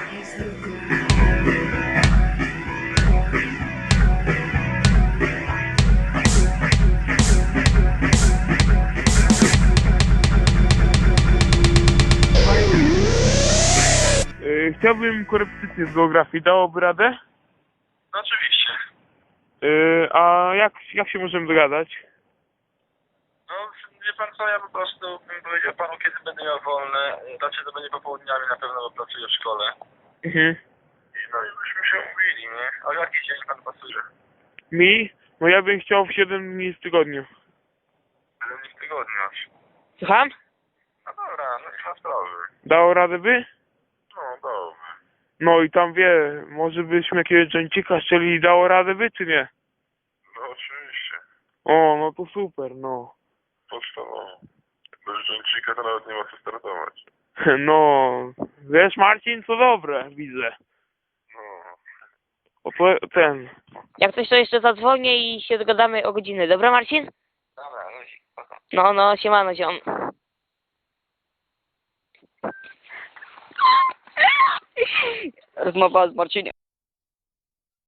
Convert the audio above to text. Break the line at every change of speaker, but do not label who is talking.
Chciałbym korepetycję z geografii. Dałoby radę?
No oczywiście.
A jak się możemy dogadać?
No, wie pan co, ja po prostu bym powiedział panu, kiedy będę miał wolne. Znaczy to będzie popołudniami na pewno, bo pracuję w szkole.
Mhm.
No i byśmy się umówili, nie? A jaki dzień pan pasuje?
Mi? No ja bym chciał w 7 dni w tygodniu.
Będę nie w tygodniu.
Słucham?
No dobra, no nie ma sprawy.
Dało radę by?
No dobrze.
No i tam może byśmy jakiegoś dżęcika szczeli, dało radę by, czy nie?
No oczywiście.
O, no to super, no.
Podstawowo. Bez dżęcika to nawet nie ma co startować.
No, wiesz Marcin, co dobre, widzę.
No.
O to ten.
Jak coś to jeszcze zadzwonię i się dogadamy o godziny. Dobra, Marcin?
Dobra, luzik, spoko.
No, siemano, ziom. Rozmowa z Marcinem.